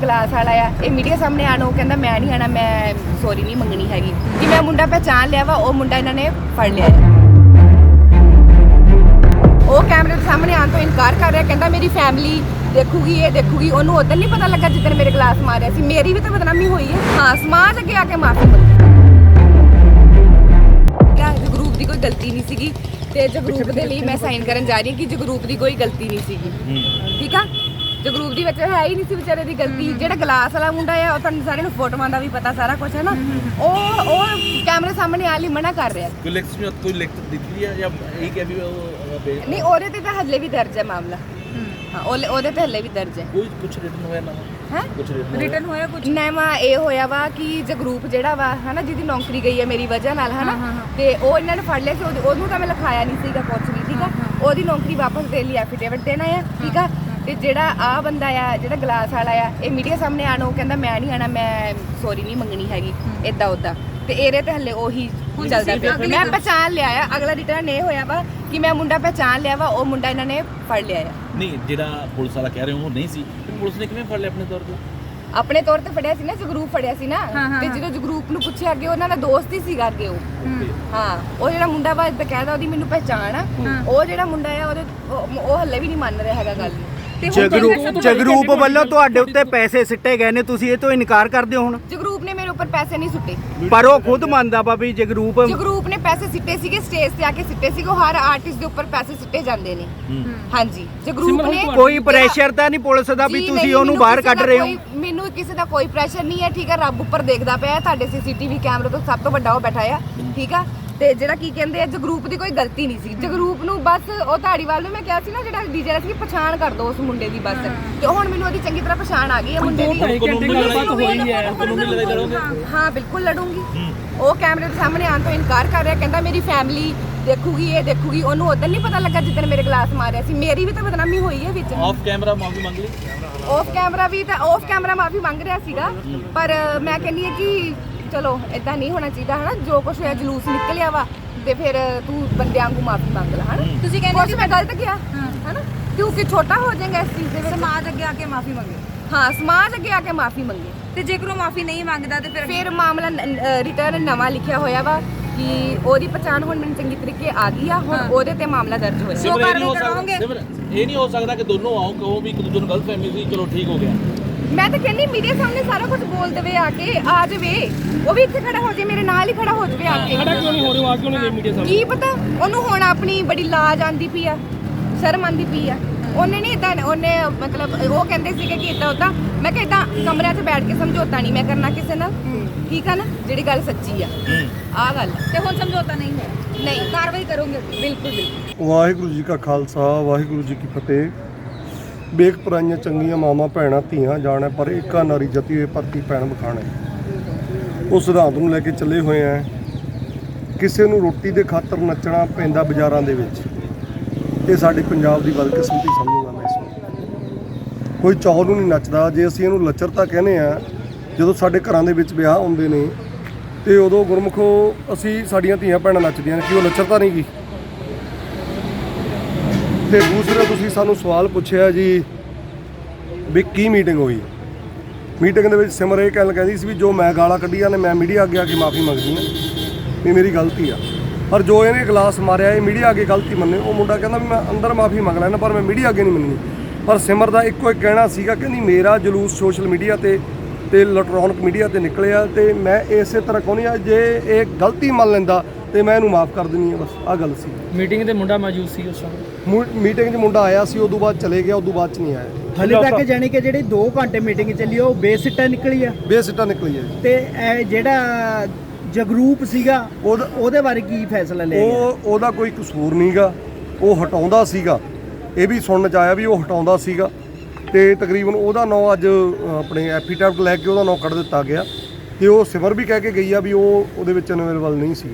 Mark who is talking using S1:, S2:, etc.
S1: Glass ਵਾਲਾ ਆ ਇਹ ਮੀਡੀਆ ਸਾਹਮਣੇ ਆਣ ਉਹ ਕਹਿੰਦਾ ਮੈਂ ਨਹੀਂ ਆਣਾ, ਮੈਂ ਸੌਰੀ ਨਹੀਂ ਮੰਗਣੀ ਹੈਗੀ ਕਿ ਮੈਂ ਮੁੰਡਾ ਪਹਿਚਾਣ ਲਿਆ ਵਾ। ਉਹ ਮੁੰਡਾ ਇਹਨਾਂ ਨੇ ਫੜ ਲਿਆ ਹੈ। ਉਹ ਕੈਮਰੇ ਦੇ ਸਾਹਮਣੇ ਆਉਣ ਤੋਂ ਇਨਕਾਰ ਕਰ ਰਿਹਾ, ਕਹਿੰਦਾ ਮੇਰੀ ਫੈਮਿਲੀ ਦੇਖੂਗੀ, ਇਹ ਦੇਖੂਗੀ। ਉਹਨੂੰ ਉਦੋਂ ਨਹੀਂ ਪਤਾ ਲੱਗਾ ਜਿੱਦਣ ਮੇਰੇ ਗਲਾਸ ਮਾਰਿਆ ਸੀ। ਮੇਰੀ ਵੀ ਤਾਂ ਬਦਨਾਮੀ ਹੋਈ ਹੈ। ਹਾਂ, ਸਮਾਜ ਅੱਗੇ ਆ ਕੇ ਮਾਫੀ ਮੰਗੀ। ਜਗਰੂਪ ਦੀ ਕੋਈ ਗਲਤੀ ਨਹੀਂ ਸੀਗੀ ਤੇ ਜਗਰੂਪ ਦੇ ਲਈ ਮੈਂ ਸਾਈਨ ਕਰਨ ਜਾ ਰਹੀ ਹਾਂ ਕਿ ਜਗਰੂਪ ਦੀ ਕੋਈ ਗਲਤੀ ਨਹੀਂ ਸੀਗੀ। ਠੀਕ ਆ, ਜਗਰੂਪ ਦੀ ਵਿੱਚ ਹੈ ਹੀ ਨਹੀਂ ਸੀ ਵਿਚਾਰੇ ਦੀ ਗਲਤੀ। ਜਿਹੜਾ ਗਲਾਸ ਵਾਲਾ ਮੁੰਡਾ ਆ ਉਹ ਤੁਹਾਨੂੰ ਸਾਰਿਆਂ ਨੂੰ ਫੋਟੋਆਂ ਦਾ ਵੀ ਪਤਾ ਸਾਰਾ ਕੁਝ ਹੈ ਨਾ। ਉਹ ਕੈਮਰੇ ਸਾਹਮਣੇ ਆਣ ਲਈ ਮਨਾ ਕਰ ਰਿਹਾ।
S2: ਕੋਈ ਲਿਖਤ ਦਿੱਤੀ ਹੈ ਜਾਂ ਇਹ ਕਿ ਵੀ
S1: ਨਹੀਂ, ਉਹਦੇ ਤੇ ਤਾਂ ਹੱਲੇ ਵੀ ਦਰਜ ਹੈ ਮਾਮਲਾ। ਹਾਂ, ਉਹਦੇ ਤੇ ਹੱਲੇ ਵੀ ਦਰਜ ਹੈ।
S2: ਕੋਈ ਕੁਝ ਰਿਟਨ ਹੋਇਆ ਨਾ
S1: ਹੈ?
S2: ਕੁਝ
S1: ਰਿਟਨ ਹੋਇਆ ਕੁਝ ਨਵਾਂ ਇਹ ਹੋਇਆ ਵਾ ਕਿ ਜਗਰੂਪ ਜਿਹੜਾ ਵਾ ਹਨਾ, ਜਿਹਦੀ ਨੌਕਰੀ ਗਈ ਹੈ ਮੇਰੀ ਵਜ੍ਹਾ ਨਾਲ ਹਨਾ, ਤੇ ਉਹ ਇਹਨਾਂ ਨੇ ਫੜ ਲਿਆ ਸੀ। ਉਹਨੂੰ ਤਾਂ ਮੈਂ ਲਿਖਾਇਆ ਨਹੀਂ ਸੀਗਾ ਕੁਝ ਵੀ। ਠੀਕ ਆ, ਉਹਦੀ ਨੌਕਰੀ ਵਾਪਸ ਦੇਣ ਲਈ ਐਫੀਡੇਵਿਟ ਦੇਣਾ ਆ। ਠੀਕ ਆ, ਤੇ ਜਿਹੜਾ ਆ ਬੰਦਾ ਆ ਜਿਹੜਾ ਗਲਾਸ ਵਾਲਾ ਆ ਇਹ ਮੀਡੀਆ ਸਾਹਮਣੇ ਆਣ ਉਹ ਕਹਿੰਦਾ ਮੈਂ ਨਹੀਂ ਆਣਾ, ਮੈਂ ਸੌਰੀ ਨਹੀਂ ਮੰਗਣੀ ਹੈਗੀ ਇਦਾਂ ਉਦਾਂ। ਤੇ ਇਹਦੇ ਤੇ ਹੱਲੇ ਉਹੀ ਚੱਲਦਾ ਪਿਆ। ਮੈਂ ਪਹਿਚਾਣ ਲਿਆ ਆ। ਅਗਲਾ ਰਿਟਰਨ ਇਹ ਹੋਇਆ ਵਾ ਕਿ ਮੈਂ ਮੁੰਡਾ ਪਹਿਚਾਣ ਲਿਆ ਵਾ। ਉਹ ਮੁੰਡਾ ਇਹਨਾਂ ਨੇ ਫੜ ਲਿਆ ਆ।
S2: ਨਹੀਂ, ਜਿਹੜਾ ਪੁਲਿਸ ਵਾਲਾ ਕਹਿ ਰਹੇ ਹੋ ਉਹ ਨਹੀਂ ਸੀ, ਪੁਲਿਸ ਨੇ ਕਿਵੇਂ ਫੜ ਲਿਆ ਆਪਣੇ ਤੌਰ ਤੇ?
S1: ਆਪਣੇ ਤੌਰ ਤੇ ਫੜਿਆ ਸੀ ਨਾ, ਜਗਰੂਪ ਫੜਿਆ ਸੀ ਨਾ। ਤੇ ਜਦੋਂ ਜਗਰੂਪ ਨੂੰ ਪੁੱਛਿਆ ਅੱਗੇ ਉਹਨਾਂ ਦਾ ਦੋਸਤ ਹੀ ਸੀਗਾ ਅੱਗੇ ਉਹ। ਹਾਂ, ਉਹ ਜਿਹੜਾ ਮੁੰਡਾ ਵਾ ਬਕਾਇਦਾ ਉਹਦੀ ਮੈਨੂੰ ਪਹਿਚਾਣ ਆ। ਉਹ ਜਿਹੜਾ ਮੁੰਡਾ ਆ ਉਹਦੇ ਉਹ ਹੱਲੇ ਵੀ ਨਹੀਂ ਮੰਨ ਰਿਹਾ ਹੈਗਾ ਗੱਲ।
S3: ਜਗਰੂਪ ਵੱਲੋਂ ਤੁਹਾਡੇ ਉੱਤੇ ਪੈਸੇ ਸਿੱਟੇ ਗਏ ਨੇ, ਤੁਸੀਂ ਇਹ ਤੋਂ ਇਨਕਾਰ ਕਰਦੇ ਹੋ ਹੁਣ?
S1: ਜਗਰੂਪ ਨੇ ਮੇਰੇ ਉੱਪਰ ਪੈਸੇ ਨਹੀਂ ਸੁੱਟੇ,
S3: ਪਰ ਉਹ ਖੁਦ ਮੰਨਦਾ ਵਾ ਵੀ ਜਗਰੂਪ
S1: ਨੇ ਪੈਸੇ ਸਿੱਟੇ ਸੀਗੇ, ਸਟੇਜ ਤੇ ਆ ਕੇ ਸਿੱਟੇ ਸੀਗੇ। ਉਹ ਹਰ ਆਰਟਿਸਟ ਦੇ ਉੱਪਰ ਪੈਸੇ ਸਿੱਟੇ ਜਾਂਦੇ ਨੇ। ਹਾਂਜੀ, ਜਗਰੂਪ ਨੇ
S3: ਕੋਈ ਪ੍ਰੈਸ਼ਰ ਤਾਂ ਨਹੀਂ ਪੁਲਿਸ ਦਾ ਵੀ ਤੁਸੀਂ ਉਹਨੂੰ ਬਾਹਰ ਕੱਢ ਰਹੇ ਹੋ?
S1: ਮੈਨੂੰ ਕਿਸੇ ਦਾ ਕੋਈ ਪ੍ਰੈਸ਼ਰ ਨਹੀਂ ਹੈ। ਠੀਕ ਹੈ, ਰੱਬ ਉੱਪਰ ਦੇਖਦਾ ਪਿਆ। ਤੁਹਾਡੇ ਸੀਸੀਟੀਵੀ ਕੈਮਰੇ ਤੋਂ ਸਭ ਤੋਂ ਵੱਡਾ ਉਹ ਬੈਠਾ ਆ। ਠੀਕ ਆ, ਤੇ ਜਿਹੜਾ ਕੀ ਕਹਿੰਦੇ ਆ ਜਗਰੂਪ ਦੀ ਕੋਈ ਗਲਤੀ ਨਹੀਂ ਸੀ। ਜਗਰੂਪ ਨੂੰ ਬਸ ਉਹ ਧਾੜੀਵਾਲ ਨੂੰ ਮੈਂ ਕਿਹਾ ਸੀ ਨਾ ਜਿਹੜਾ ਡੀਜੇ ਦਾ ਸੀ, ਪਛਾਣ ਕਰ ਦੋ ਉਸ ਮੁੰਡੇ ਦੀ ਬਸ। ਤੇ ਹੁਣ ਮੈਨੂੰ ਉਹਦੀ ਚੰਗੀ ਤਰ੍ਹਾਂ ਪਛਾਣ ਆ ਗਈ ਹੈ ਮੁੰਡੇ ਦੀ। ਹਾਂ, ਬਿਲਕੁਲ ਲੜੂੰਗੀ। ਉਹ ਕੈਮਰੇ ਦੇ ਸਾਹਮਣੇ ਆਉਣ ਤੋਂ ਇਨਕਾਰ ਕਰ ਰਿਹਾ, ਕਹਿੰਦਾ ਮੇਰੀ ਫੈਮਿਲੀ ਦੇਖੂਗੀ, ਇਹ ਦੇਖੂਗੀ। ਉਹਨੂੰ ਉਦੋਂ ਨਹੀਂ ਪਤਾ ਲੱਗਾ ਜਿੱਦਣ ਮੇਰੇ ਗਲਾਸ ਮਾਰਿਆ ਸੀ। ਮੇਰੀ ਵੀ ਤਾਂ ਬਦਨਾਮੀ ਹੋਈ ਹੈ ਵਿੱਚ।
S2: ਆਫ ਕੈਮਰਾ ਮਾਫੀ ਮੰਗ ਲਈ?
S1: ਆਫ ਕੈਮਰਾ ਮਾਫੀ ਮੰਗ ਰਿਹਾ ਸੀਗਾ, ਪਰ ਮੈਂ ਕਹਿੰਦੀ ਹਾਂ ਕਿ ਚਲੋ ਇਦਾਂ ਨਹੀਂ ਹੋਣਾ ਚਾਹੀਦਾ ਹਨਾ। ਜੋ ਕੁਝ ਹੋਇਆ ਜਲੂਸ ਨਿਕਲਿਆ ਵਾ ਤੇ ਫਿਰ ਤੂੰ ਬੰਦਿਆਂ ਵਾਂਗੂ ਮਾਫੀ ਮੰਗ ਲੈ ਹਨਾ। ਤੁਸੀਂ ਕਹਿੰਦੇ ਮੈਂ ਗਲਤ ਕਿਹਾ ਹਨਾ, ਕਿਉਂਕਿ ਛੋਟਾ ਹੋ ਜਾਏਗਾ ਇਸ ਚੀਜ਼ ਦੇ ਵਿੱਚ।
S4: ਸਮਾਜ ਅੱਗੇ ਆ ਕੇ ਮਾਫੀ ਮੰਗੇ।
S1: ਹਾਂ, ਸਮਾਜ ਅੱਗੇ ਆ ਕੇ ਮਾਫੀ ਮੰਗੇ।
S4: ਤੇ ਜੇਕਰ ਉਹ ਮਾਫੀ ਨਹੀਂ ਮੰਗਦਾ ਤੇ
S1: ਫਿਰ ਮਾਮਲਾ ਰਿਟਰਨ ਨਵਾਂ ਲਿਖਿਆ ਹੋਇਆ ਵਾ ਕਿ ਉਹਦੀ ਪਛਾਣ ਹੁਣ ਮੈਨੂੰ ਚੰਗੀ ਤਰੀਕੇ ਆ ਗਈ ਆ। ਹੁਣ ਉਹਦੇ ਤੇ ਮਾਮਲਾ ਦਰਜ ਹੋਇਆ।
S2: ਇਹ ਨਹੀਂ ਹੋ ਸਕਦਾ ਕਿ ਦੋਨੋਂ ਆਓ ਕਹੋ ਵੀ ਇੱਕ ਦੂਜੇ ਨੂੰ ਗਲਤ ਫਹਿਮੀ ਸੀ, ਚਲੋ ਠੀਕ ਹੋ ਗਿਆ।
S1: ਮੈਂ ਤਾਂ ਕਹਿੰਦੀ ਮੀਡੀਆ ਸਾਹਮਣੇ ਸਾਰਾ ਕੁਝ ਬੋਲ ਦੇਵੇ, ਆ ਕੇ ਆ ਜਾਵੇ। ਉਹ ਵੀ ਇੱਥੇ ਖੜਾ ਹੋ ਜਾਵੇ, ਮੇਰੇ ਨਾਲ ਹੀ ਖੜਾ ਹੋ ਜਾਵੇ ਆ ਕੇ।
S5: ਖੜਾ ਕਿਉਂ ਨਹੀਂ ਹੋ ਰਿਹਾ? ਆ ਕਿਉਂ ਨਹੀਂ ਮੀਡੀਆ ਸਾਹਮਣੇ?
S1: ਕੀ ਪਤਾ ਉਹਨੂੰ ਹੁਣ ਆਪਣੀ ਬੜੀ ਲਾਜ ਆਂਦੀ ਪਈ ਆ, ਸ਼ਰਮ ਆਂਦੀ ਪਈ ਆ। ਉਹਨੇ ਨਹੀਂ ਇਦਾਂ, ਉਹਨੇ ਮਤਲਬ ਉਹ ਕਹਿੰਦੇ ਸੀਗੇ ਕਿ ਇਦਾਂ ਉਦਾਂ। ਮੈਂ ਕਿਹਾ ਇਦਾਂ ਕਮਰਿਆਂ 'ਚ ਬੈਠ ਕੇ ਸਮਝੌਤਾ ਨਹੀਂ ਮੈਂ ਕਰਨਾ ਕਿਸੇ ਨਾਲ। ਠੀਕ ਆ ਨਾ, ਜਿਹੜੀ ਗੱਲ ਸੱਚੀ ਆ ਆਹ ਗੱਲ।
S4: ਤੇ ਹੁਣ ਸਮਝੌਤਾ ਨਹੀਂ ਹੋਇਆ?
S1: ਨਹੀਂ,
S4: ਕਾਰਵਾਈ ਕਰੋਗੇ?
S1: ਬਿਲਕੁਲ।
S6: ਵਾਹਿਗੁਰੂ ਜੀ ਕਾ ਖਾਲਸਾ, ਵਾਹਿਗੁਰੂ ਜੀ ਕੀ ਫਤਿਹ। ਵੇਖ ਪਰਾਈਆਂ ਚੰਗੀਆਂ ਮਾਵਾਂ ਭੈਣਾਂ ਧੀਆਂ ਜਾਣਾ, ਪਰ ਏਕਾ ਨਾਰੀ ਜਤੀ ਹੋਏ ਭਰਤੀ ਭੈਣ ਬਖਾਣੇ। ਉਸ ਸਿਧਾਂਤ ਨੂੰ ਲੈ ਕੇ ਚੱਲੇ ਹੋਏ ਆ। ਕਿਸੇ ਨੂੰ ਰੋਟੀ ਦੇ ਖਾਤਰ ਨੱਚਣਾ ਪੈਂਦਾ ਬਾਜ਼ਾਰਾਂ ਦੇ ਵਿੱਚ, ਇਹ ਸਾਡੇ ਪੰਜਾਬ ਦੀ ਬਦਕਿਸਮਤੀ ਸਮਝੂਗਾ ਮੈਂ ਇਸ ਨੂੰ। ਕੋਈ ਚੌਲ ਨੂੰ ਨਹੀਂ ਨੱਚਦਾ। ਜੇ ਅਸੀਂ ਇਹਨੂੰ ਲੱਚਰਤਾ ਕਹਿੰਦੇ ਆ, ਜਦੋਂ ਸਾਡੇ ਘਰਾਂ ਦੇ ਵਿੱਚ ਵਿਆਹ ਹੁੰਦੇ ਨੇ ਤੇ ਉਦੋਂ ਗੁਰਮੁਖੋ ਅਸੀਂ ਸਾਡੀਆਂ ਧੀਆਂ ਭੈਣਾਂ ਨੱਚਦੀਆਂ ਨੇ, ਕਿ ਉਹ ਲੱਚਰਤਾ ਨਹੀਂ ਗੀ? ਤੇ ਦੂਸਰਾ ਤੁਸੀਂ ਸਾਨੂੰ ਸਵਾਲ ਪੁੱਛਿਆ ਜੀ ਵੀ ਕੀ ਮੀਟਿੰਗ ਹੋਈ। ਮੀਟਿੰਗ ਦੇ ਵਿੱਚ ਸਿਮਰ ਇਹ ਕਹਿੰਦੀ ਸੀ ਵੀ ਜੋ ਮੈਂ ਗਾਲਾਂ ਕੱਢੀਆਂ ਨੇ ਮੈਂ ਮੀਡੀਆ ਅੱਗੇ ਆ ਕੇ ਮਾਫੀ ਮੰਗਦੀ ਹਾਂ ਵੀ ਮੇਰੀ ਗਲਤੀ ਆ। ਪਰ ਜੋ ਇਹਨੇ ਗਲਾਸ ਮਾਰਿਆ ਇਹ ਮੀਡੀਆ ਅੱਗੇ ਗਲਤੀ ਮੰਨੇ। ਉਹ ਮੁੰਡਾ ਕਹਿੰਦਾ ਵੀ ਮੈਂ ਅੰਦਰ ਮਾਫੀ ਮੰਗ ਲੈਣਾ ਪਰ ਮੈਂ ਮੀਡੀਆ ਅੱਗੇ ਨਹੀਂ ਮੰਨਣੀ। ਪਰ ਸਿਮਰ ਦਾ ਇੱਕੋ ਇੱਕ ਕਹਿਣਾ ਸੀਗਾ, ਕਹਿੰਦੀ ਮੇਰਾ ਜਲੂਸ ਸੋਸ਼ਲ ਮੀਡੀਆ ਤੇ ਇਲੈਕਟ੍ਰੋਨਿਕ ਮੀਡੀਆ ਤੇ ਨਿਕਲਿਆ ਤੇ ਮੈਂ ਇਸੇ ਤਰ੍ਹਾਂ ਕਹਿੰਦੀ ਆ ਜੇ ਇਹ ਗਲਤੀ ਮੰਨ ਲੈਂਦਾ ਤੇ ਮੈਂ ਇਹਨੂੰ ਮਾਫ ਕਰ ਦਿੰਦੀ ਆ। ਬਸ ਆਹ ਗੱਲ ਸੀ।
S5: ਮੀਟਿੰਗ ਤੇ ਮੁੰਡਾ ਮੌਜੂਦ ਸੀ ਉਸ ਸਮੇਂ?
S6: ਮੀਟਿੰਗ 'ਚ ਮੁੰਡਾ ਆਇਆ ਸੀ, ਉਦੋਂ ਬਾਅਦ ਚਲੇ ਗਿਆ, ਉਦੋਂ ਬਾਅਦ 'ਚ ਨਹੀਂ ਆਇਆ।
S3: ਹਲੇ ਤੱਕ ਜਾਣੀ ਕਿ ਜਿਹੜੀ 2 ਘੰਟੇ ਮੀਟਿੰਗ ਚੱਲੀ ਉਹ ਬੇਸਿੱਟਾ ਨਿਕਲੀ ਆ?
S6: ਬੇਸਿੱਟਾ ਨਿਕਲੀ ਹੈ।
S3: ਤੇ ਇਹ ਜਿਹੜਾ ਜਗਰੂਪ ਸੀਗਾ ਉਹਦੇ ਬਾਰੇ ਕੀ ਫੈਸਲਾ ਲਿਆ ਗਿਆ?
S6: ਉਹਦਾ ਕੋਈ ਕਸੂਰ ਨਹੀਂਗਾ, ਉਹ ਹਟਾਉਂਦਾ ਸੀਗਾ। ਇਹ ਵੀ ਸੁਣਨ 'ਚ ਆਇਆ ਵੀ ਉਹ ਹਟਾਉਂਦਾ ਸੀਗਾ ਤੇ ਤਕਰੀਬਨ ਉਹਦਾ ਨਾਂ ਅੱਜ ਆਪਣੇ ਐਫੀਡੈਵਿਟ ਲੈ ਕੇ ਉਹਦਾ ਨਾਂ ਕੱਢ ਦਿੱਤਾ ਗਿਆ। ਤੇ ਉਹ ਸਿਮਰ ਵੀ ਕਹਿ ਕੇ ਗਈ ਆ ਵੀ ਉਹ ਉਹਦੇ ਵਿੱਚ ਅਵੇਲੇਬਲ ਨਹੀਂ ਸੀ।